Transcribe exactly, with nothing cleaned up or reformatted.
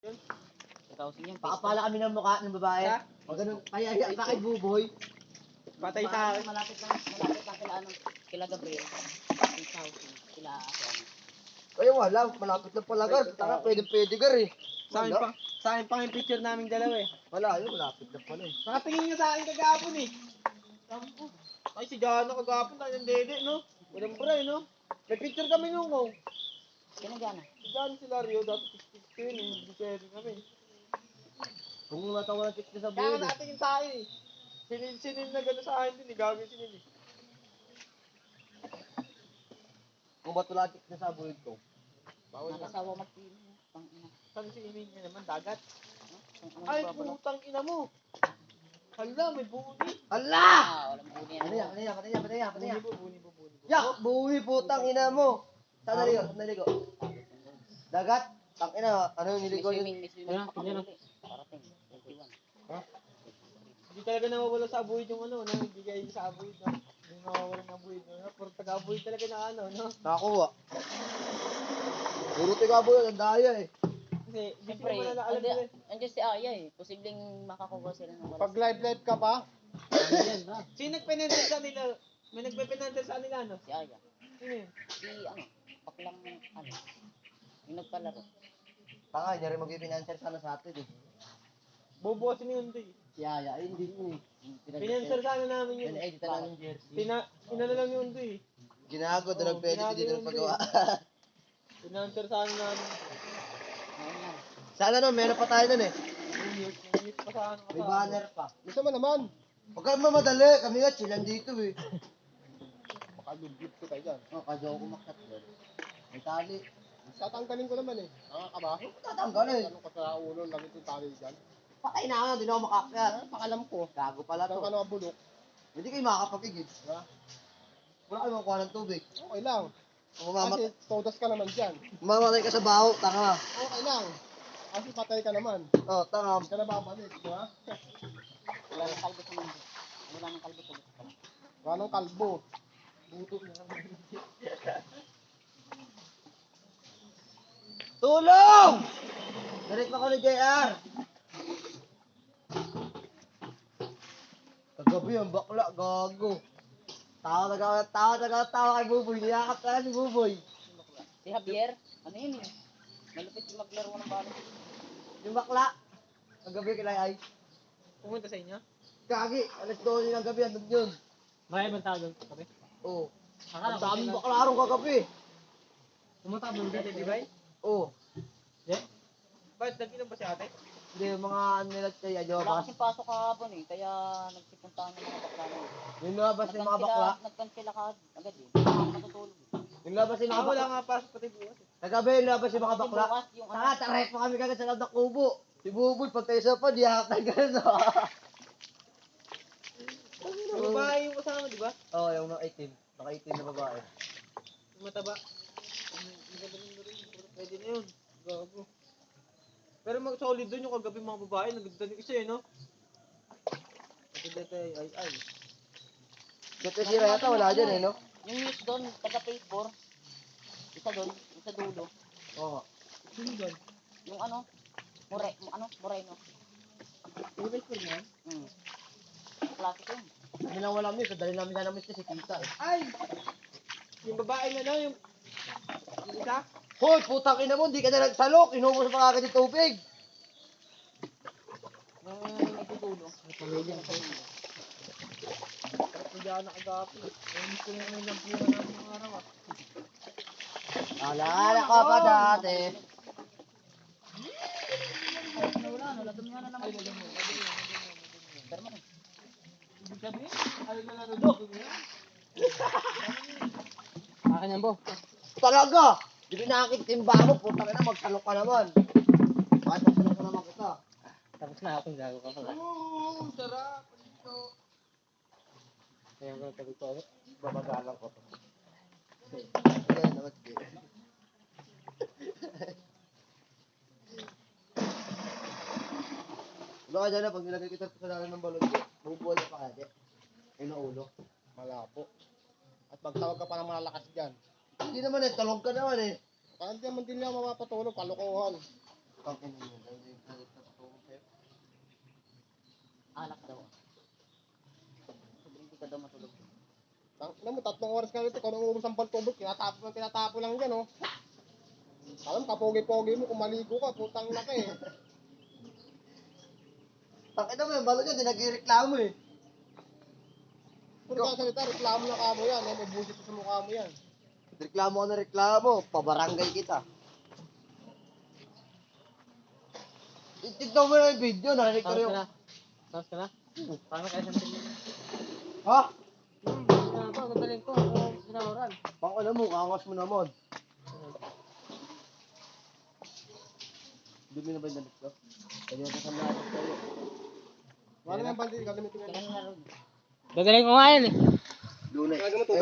Thousand yung Pakapala kami ng mukha ng babae. Ha? O ganun, kaya yan sa kay Buboy. Patay sa akin. Malapit lang, malapit lang sila ano, kila Gabriel. Eight thousand. Sila ako. Kaya wala, malapit na pala gar. Taka, pwede pwede gar eh. Sa akin Wala. pa. Sa akin pa yung picture naming dalawa eh. Wala, yun, malapit na pala eh. Nakatingin niya sa akin kagapon eh. Sampo. Ay si Jana kagapon tayo ng dede no. Walang bray no. May picture kami nung oh. Sino gana? Si Jana sila Rio dati six yun eh. Hindi pwede kami. Kung matawa na tikta sa Kaya buhay eh. natingin sa akin eh. Sinil sinil na gano'n sa akin din eh. Gagawin sinil eh. Kung ba't wala tikta sa buhay ko. Bawal na. Nakasawa magpili. Pang ina. Saan si Imin niya naman? Dagat? Pang ina. Ay, nagbabalak. putang ina mo. Hala, may buni. Hala! Ah, walang buni yan. Ano yan, ano yan, ano yan, ano yan, ano Buni yan. po, buni po, buni po. Yak! Buhay putang ina mo! Saan naligo? Saan naligo? Dagat? Tang ina, ano yung May niligo yun? swimming, may swimming. Ano? Tingnan mo. Parating. twenty-one. Hindi talaga nawawala sa abuhid yung ano, no? Hindi kayo sa abuhid, no? Hindi nawawala ng abuhid, no? Puro taga-abuhid talaga na ano, no? Nakakuha. Puro tiga buhay, ang daya eh. Kasi, hindi Siyempre, naman na alam andi- nila. andiyan si Aya eh. Posibleng makakuha sila ng wala. Pag live live ka pa? Ayan, ha? Sino nagpinantal sa nila? May nagpipinantal sa nila, no? Si Aya. Sino yun? Si ano, baklang ano. Yung nagpalaro. Tanga, niya rin mag-financer sana sa atin eh. Bubukasin ni Undoy. Si Aya, ay hindi yun eh. Pinantal sana namin yun. Pinag-edit na ng jersey. Tina, inano lang ni Undoy. Ginago, doon Oo, nag-edit, ginago hindi doon yun, nagpagawa. Pinantal sana namin. Ayun lang. Sana no, meron pa tayo doon eh. Nangyut, nangyut pa sa ano. May banner pa. Gusto mo naman. Huwag ka mamadali, kami nga chillan dito eh. Makalugit ko tayo dyan. Oh, kadyo ako umakyat doon. May tali. Tatanggalin ko naman eh. Nakaka ba? Tatanggal eh. Ano ka sa ulo, lagi itong tali dyan. Patay na ako, hindi na ako makakyat. Ah, pakalam ko. Gago pala Saan to. ka nakabulok? Hindi kayo makakapagigid. Ha? Wala kayo makuha ng tubig. Okay lang. Kung mamamat Kasi todas ka naman dyan. mamamatay ka sa baho, tanga. Okay lang. Kasi patay ka naman. Oh, tanga. Hindi ka na babalik, di ba? Wala nang kalbo sa mundo. Wala nang kalbo sa mundo. Wala nang kalbo. Buto na. Tulong! Direct ako ni J R. Kagabi ang bakla, gago. Tawa taga tawa taga tawa kay Buboy. Niyakap ka si Buboy. Si Javier, ano yun eh. Malupit yung maglaro ng balo. Yung bakla. Kagabi kay Ay. Pumunta sa inyo? Gagi, alas dose ng gabi andun yun. May ibang tao doon kami. Oo. Akala Ang daming bakla ron kagabi. Pumunta ka doon dito, di ba? Oo. Hindi. Bakit nag-inom ba si ate? Hindi, yung mga ano nila kay Wala Ajoba. kasing pasok kahapon eh. Kaya nagsipuntahan ng mga bakla na eh. Yung labas yung mga bakla. Nagkansila ka agad eh. Hindi matutulog eh. Yung labas yung Ah, mga wala bakla. nga pasok pati bukas eh. Kagabi yung labas yung mga Kasi bakla. bukas yung ano. Saka taray pa kami kagad sa loob ng kubo. Si Buboy, pag tayo sa pa, diyakap na gano'n. Yung babae yung kasama, di ba? Oo, yung mga itim. Naka itim na babae. Yung mataba. Ang maganda rin rin. Pwede na yun. Gago. Pero mag solid doon yung kagabi mga babae. Naganda yung isa eh, no? Maganda tayo ay ay. Dito si Rayata, wala dyan eh, no? Yung news doon, taga phase four. Isa doon, isa dulo. Oo. Sino doon? Yung ano, More, ano, Moreno. Yung best friend mo? Hmm. Klase ko yun. Kami lang wala miss, dali namin sana miss kasi tita eh. Ay! Yung babae na no, yung... Yung isa? Hoy, putang ina mo, hindi ka na nagsalok. Inubos pa kagad yung tubig. Yung nagdudulo. May pamilya na kayo. Hindi ako nakagapi. Yung gusto na naman yung pira namin ng araw ah. Alala ka pa dati. Wala, nalagam nga na naman. Ay, lagyan mo. Lagyan mo. Lagyan mo. Pero man, Ibig sabihin, ano na lang dito niya? Akin yan, bo. Talaga! Hindi nakakit-timba mo, putang ina, magsalok ka naman. Bakit magsalok ka naman kita? tapos na akong gago ka pala. Oo, sarap. Dito. Kaya ko nagtabi ko ako. Babagalan ko. Sige, naman sige. Wala ka dyan na, pag nilagay kita sa lalim ng balon ko, bubuhay ka pa kaya. Ay na ulo. Malabo. At magtawag ka pa ng malakas dyan. Hindi naman eh, talong ka naman eh. Parang di naman din niya mapapatulog, kalokohan. Pangkin mo yun. Dahil yung galit na patungkol sa'yo. Alak daw. Sabi hindi ka daw matulog. Tang, alam mo, tatlong oras ka rito, kung nang ubus ang pantubog, tinatapo na tinatapo lang dyan, oh. Alam, kapogi-pogi mo, kung maligo ka, putang na ka eh. Pakita mo yung balo niya, di nagreklamo eh. Puro ka salita, reklamo na kamo yan, eh. Mabusit sa mukha mo yan. Reklamo ka na reklamo, pabarangay kita. Tignan mo na yung video, narinig ko Tapos rin ka yung... na. Tapos ka na? Paano kaya sa tingin? Ha? Hmm, na ba? Gagaling ko. Ano sinawaran? Bang alam mo, kangas mo naman. Dumi na ba yung damit ko? Pwede mo pa sa natin sa'yo. Wala na yung bandi, gagamitin mo yan. Kailan na ron? Gagaling ko nga yan eh. Lunay. Gagamitin mo